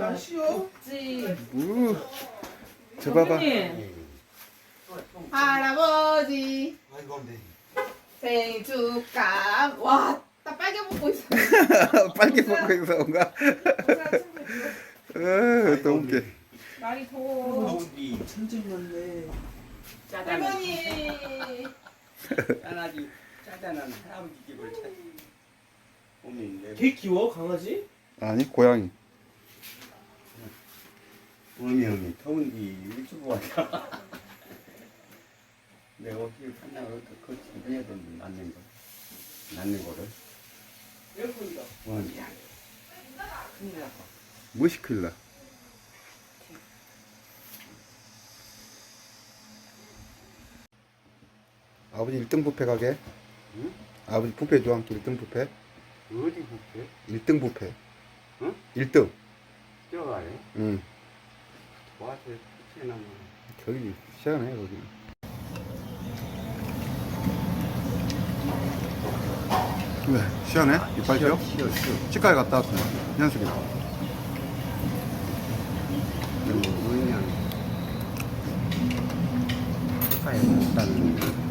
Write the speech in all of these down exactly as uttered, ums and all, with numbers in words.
맛이요? 우, 저 봐봐. 할아버지 아이고 네. 생일 축하. 와, 나 빨개 먹고 있어. 빨개 먹고 있어, 뭔가. 어, 또 웃겨. 날이 더워. 우리 천재였네. 할머니. 짠하지 짜잔한 할아버지 집을 찾. 오늘 개 키워 강아지? 아니, 고양이. 오늘 더운지 유튜브 왔다. 내가 어떻게 판단을 어떻게 준비해야 되는지 낳는 거, 낳는 거를. 에어컨이다. 원. 무엇이 큰일 나? 아버지 일 등 뷔페 가게? 응? 아버지 뷔페 좋아하는 일 등 뷔페? 어디 볼게? 일 등 뷔페. 응? 일 등. 뛰어가래. 응. 와서 피치나면. 거기 시원해, 거기. 왜? 시원해? 이빨 뼈? 쉬어 쉬어. 치과에 갔다 왔어. 연습이. 그리고 그냥 가야 된다는.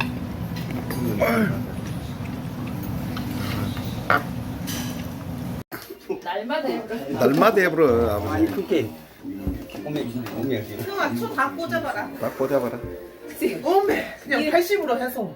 날마다 해. 날마다 해버려, 아니 아버지. 그게 오메 오메 형아, 초다 꽂아봐라. 딱 꽂아봐라. 어메 그냥 팔십으로 해서.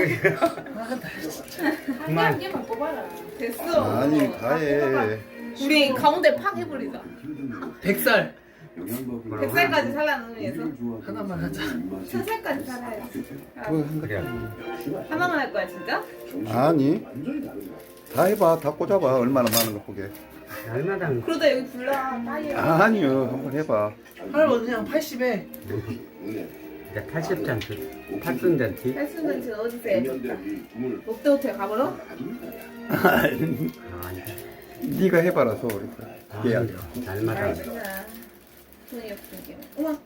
한 개만 뽑아라. 됐어. 아니, 가해. 우리 가운데 팍 해버리자. 백살 백 살까지 살라는 의미에서. 하나만 하자. 천 살까지 살아야지. 그거 한다. 그래. 하나만 할 거야, 진짜? 아니. 다 해봐. 다 꽂아봐. 얼마나 많은 거 보게. 날마다 그러다 여기 불러. 빨리. 아니요. 한번 해봐. 할아버지 그냥 팔십에 팔십 잔치, 팔십 잔치. 할수는 어디서 해? 롯데호텔 가보러? 아니, 네가 해봐라, 소리. 얘야. 날마다. 알겠구나. 돈이 없으니까. 우와.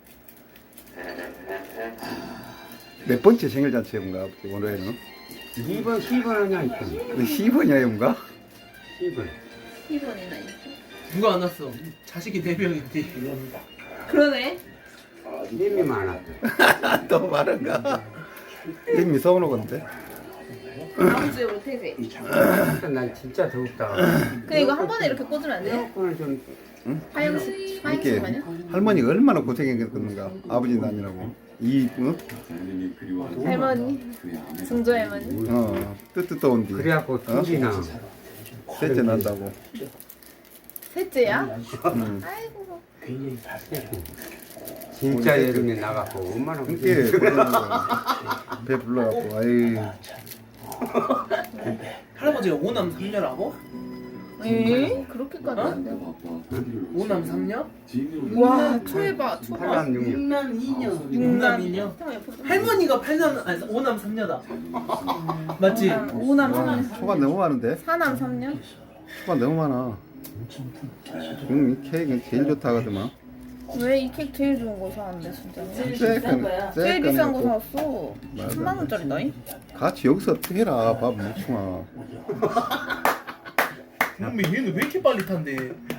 몇 번째 생일 잔치인가, 아버지, 올해는? 이 번, 십 번 하냐, 이പ്പം. 십 번이야, 뭔가? 십 번. 십 원이나 있어. 누가 안 왔어? 자식이 네 명인데. 그러네. 힘이 많아. 또 말은가? 이미 서운한 건데. 다음 주에 우리 퇴세. 날 진짜 더웠다. 근데 이거 한 번에 이렇게 꽂으면 안 돼? 에어컨을 좀 화영식, 이게 화영식만요? 할머니가 얼마나 고생했겠는가, 아버지 아니라고. 이, 어? 할머니, 증조 할머니. 어, 뜨뜻떠온 뒤. 그래갖고 둘이나 셋째 난다고. 셋째야? 응. 아이고. 진짜 여름에 나가고 얼마나 함께 그러는 거야. 배 불러갖고, 아이. 할아버지가 오남 삼녀라고? 에이? 그렇게까지 안 돼. 오남 삼녀? 와, 초해봐, 초봐. 팔남 육녀. 육남 이녀. 육남 이녀. 할머니가 팔남 아니 오남 삼녀다. 맞지? 오남 와, 삼남. 초가 너무 많은데? 사남 삼녀? 초가 너무 많아. 응, 이 케이크는 제일 좋다 하더만. 왜 이 케이크 제일 좋은 거 사는데, 진짜? 쎄건, 제일 비싼 거 쎄건 샀어. 맞아. 삼만 원짜리다잉? 같이 여기서 어떻게 해라, 밥 뭉충아. 근데 얘는 왜 이렇게 빨리 탄대?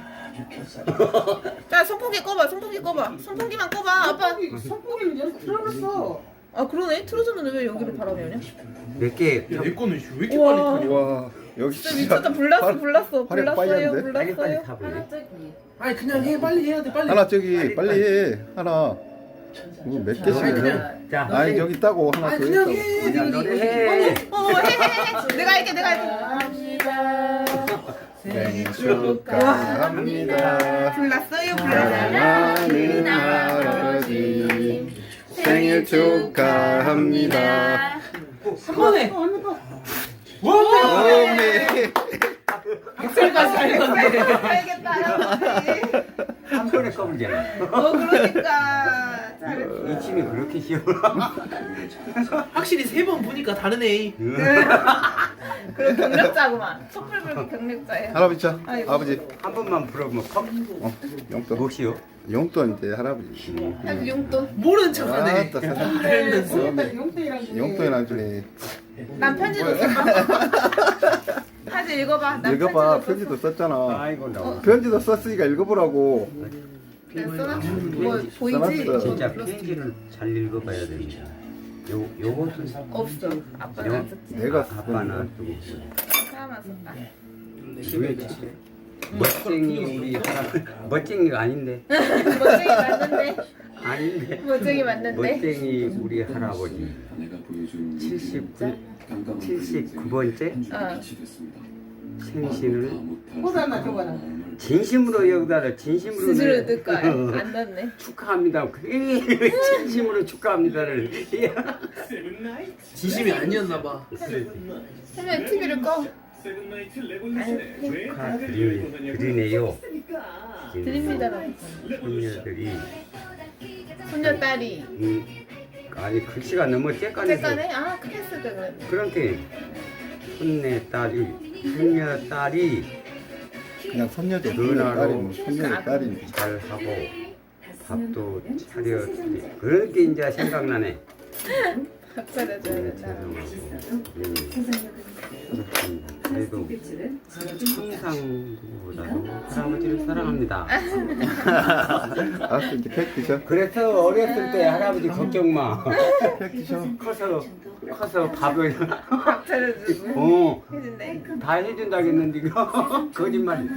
자, 선풍기 꺼봐, 선풍기 꺼봐. 선풍기만 꺼봐, 아빠. 선풍기는 여기 들어갔어. 아, 그러네? 틀어졌는데 왜 여기로 바람이 오냐? 몇 개? 야, 내 거는 왜 이렇게 우와. 빨리 타냐? 와, 여기 진짜 미쳤다. 불났어, 활- 불났어, 활약 빨리 불났어요, 하는데? 빨리 빨리 불났어요. 타볼래? 아니 그냥 해 빨리 해야 돼 빨리. 하나 저기 빨리 해. 하나. 이거 몇 개씩 아니, 해? 그냥- 자, 아니 저기 있다고 하나 아니 더 그냥 있다고. 해. 그냥 니가 노래 해. 해. 어, 해, 해, 해. 내가 할게, 내가 할게. 생일 축하합니다. 불났어요, 불났어요. 사랑하는 할아버지 생일 축하합니다. 한 번에. 와. 어메. 백살까지 살렸네. 알겠다, 할아버지. 한 번에 꺼불잖아. 어, 그러니까. 잘했어. 이 침이 그렇게 쉬워. 확실히 세 번 보니까 다르네. 그럼 경력자구만. 촛불 불기 경력자예요. 할아버지 자, 아이고. 아버지. 한 번만 불어보면 컵. 어, 용돈. 무엇이요? 용돈 이제 할아버지. 아주 용돈. 모르는 척하네. 아따, 세상. 알면서. 용돈이 나중에. 난 편지도 써. 사진 편지 읽어봐. 나 읽어봐. 편지도 편지도 썼잖아. 아이고 나 편지도 썼으니까 읽어보라고. 썼어. 써놨어. 뭐 보이지? 써놨어. 진짜 편지를 잘 읽어봐야 됩니다. 요 요것은 없어. 아빠는 안 썼지. 내가 아빠는 쓰고 사람만 썼다. 왜 멋쟁이 우리 할아버지 멋쟁이가 아닌데 멋쟁이 맞는데. 아닌데 멋쟁이 맞는데. 멋쟁이 우리 할아버지 칠십구 칠십구 번째 어. 생신을 호수 하나 줘봐라. 진심으로 여기다가 진심으로 스스로 내- 넣을 거야. 안 넣네. 축하합니다. 그 진심으로 축하합니다를 진심이 아니었나 봐. 그러면 티비를 꺼. 축하드리네요. 드립니다라고. 손녀들이 손녀 딸이. 음, 아니 글씨가 너무 쬐까네서 째까네? 아 크게 쓰다 그랬네. 그렇게 손내 딸이 손녀 딸이 그냥 손녀도 누나로 딸이면 손녀의 딸이니. 잘 하고 밥도 차려 그렇게 이제 생각나네. 밥 차려줘야 네, 된다. 죄송하고 네, 그래도 항상 누구보다도 할아버지를 사랑합니다. 알았어, 이제 팩 드셔. 그래서 어렸을 때 할아버지 걱정 마. 팩 드셔. 커서 커서 밥을 밥 차려주고 어. 해준대. 다 해준다겠는데 이거 거짓말.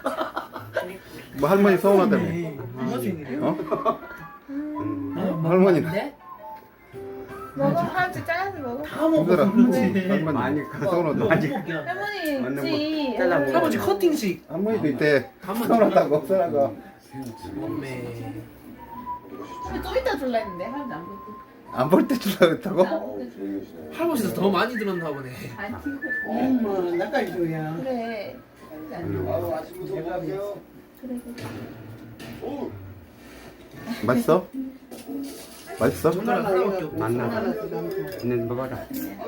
뭐 할머니 서운하다며. 엄마 생일이야? 어? 음, 할머니. 먹어. 할아버지 잘라서 먹어. 다 먹어. 힘들어. 그렇지. 할머니. 많이 서운하다. 많이 할머니 맞는 있지. 거 잘라 먹어. 할아버지 커팅식. 할머니도 이때 가만 서운하다고 서라가. 엄매. 또 이따 줄라 했는데 할아버지 안 보고. 안 볼 때 주려고 했다고? 할아버지도 더 많이 들었나 보네. 안 튀고. 엄마 나까지 줘야. 그래. 할아버지 안 음. 튀고. 그래. 그래. 맛있어? 맛있어? 정말 하나밖에 없고. 만나. 있는 먹어라.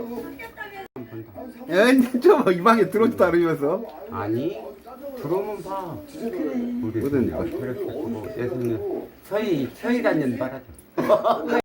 야, 저이 방에 들어오지도 않으면서. 아니 들어오면 봐. 우리 뭐든 손녀 그렇게 하고 내 손녀 서희 서희 다니는 말하자.